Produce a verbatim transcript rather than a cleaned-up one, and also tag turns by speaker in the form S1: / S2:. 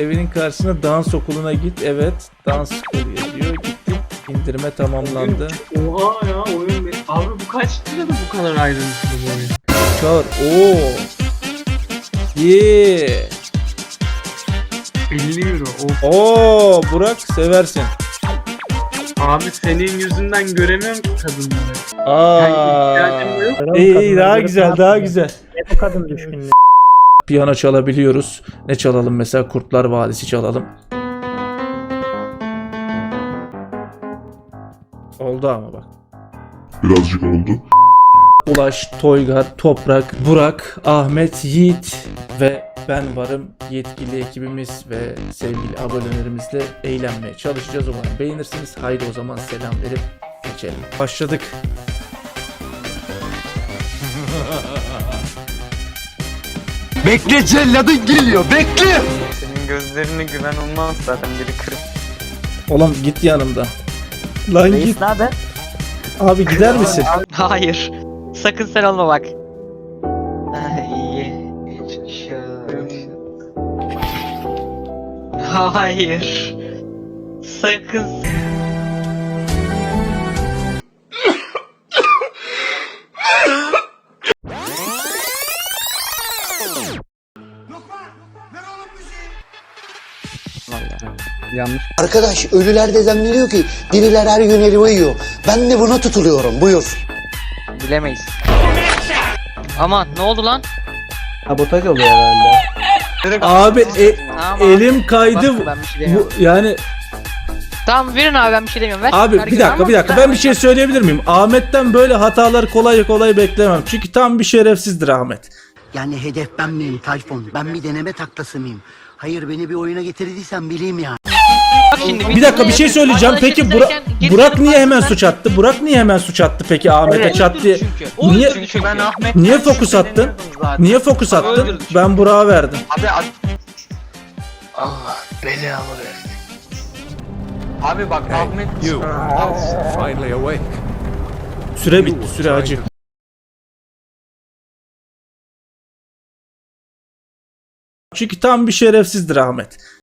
S1: evinin karşısına dans okuluna git. Evet, dans okulu yazıyor. Gittik. İndirme tamamlandı.
S2: Oha ya oyun be. Abi bu kaç lirada bu kadar ayrıntılı bu oyun?
S1: Çağır. Oo. Yeah.
S2: elli euro. Of.
S1: Oo, Burak seversin.
S2: Abi senin yüzünden göremiyorum ki kadınları.
S1: Aa.
S3: Kadın
S1: İyi iyi
S3: kadınlar
S1: daha
S3: görüp
S1: güzel
S3: ne
S1: daha
S3: yapıyor?
S1: güzel.
S3: Ne bu kadın düşkünlüğü?
S1: Piyano çalabiliyoruz. Ne çalalım mesela? Kurtlar Vadisi çalalım. Oldu ama bak.
S4: Birazcık oldu.
S1: Ulaş, Toygar, Toprak, Burak, Ahmet, Yiğit ve ben varım. Yetkili ekibimiz ve sevgili abonelerimizle eğlenmeye çalışacağız. Umarım beğenirsiniz. Haydi o zaman selam verip geçelim. Başladık.
S5: Bekle celladın geliyor bekle.
S6: Senin gözlerine güven olmaz zaten biri kırık.
S1: Oğlum git yanımda. Lan git.
S3: Ne haber?
S1: Abi gider misin?
S6: Hayır. Sakın sen olma bak. Ah, iyi. Şöyle. Hayır. Sakın.
S7: Arkadaş ölüler de zannediyor ki diriler her gün helva yiyor. Ben de buna tutuluyorum. Buyur.
S6: Bilemeyiz. Aman ne oldu lan?
S3: Sabotaj oluyor herhalde.
S1: Abi e-
S6: Aman.
S1: elim kaydı.
S6: Bak, ben bir şey demiyorum.
S1: Bu, yani
S6: Tamam verin abi ben bir şey demiyorum. Ver.
S1: abi
S6: Ver
S1: bir
S6: git.
S1: dakika
S6: Ama-
S1: bir dakika ben bir şey söyleyebilir miyim? Ahmet'ten böyle hatalar kolay kolay beklemem. Çünkü tam bir şerefsizdir Ahmet.
S7: Yani hedef ben miyim Tayfun? Ben bir deneme taklası mıyım? Hayır beni bir oyuna getirdiysen bileyim ya.
S6: Bak şimdi,
S1: Bir dakika bir şey söyleyeceğim.
S6: Arkadaşlar
S1: Peki Burak
S6: izlerken geri
S1: Burak
S6: dönüp
S1: niye hemen
S6: baktığında-
S1: suç attı? Burak niye hemen suç attı peki Ahmet'e
S6: Evet,
S1: çat diye?
S6: çünkü.
S1: Niye
S6: Öldürdü çünkü.
S5: Ben Ahmet.
S1: niye fokus attın? Niye fokus attın?
S6: öldürdü çünkü.
S1: Ben Burak'a verdim.
S5: Abi abi,
S7: Allah belamı versin.
S5: abi bak Ahmet.
S1: Süre bitti, süre acı. Çünkü tam bir şerefsizdir Ahmet.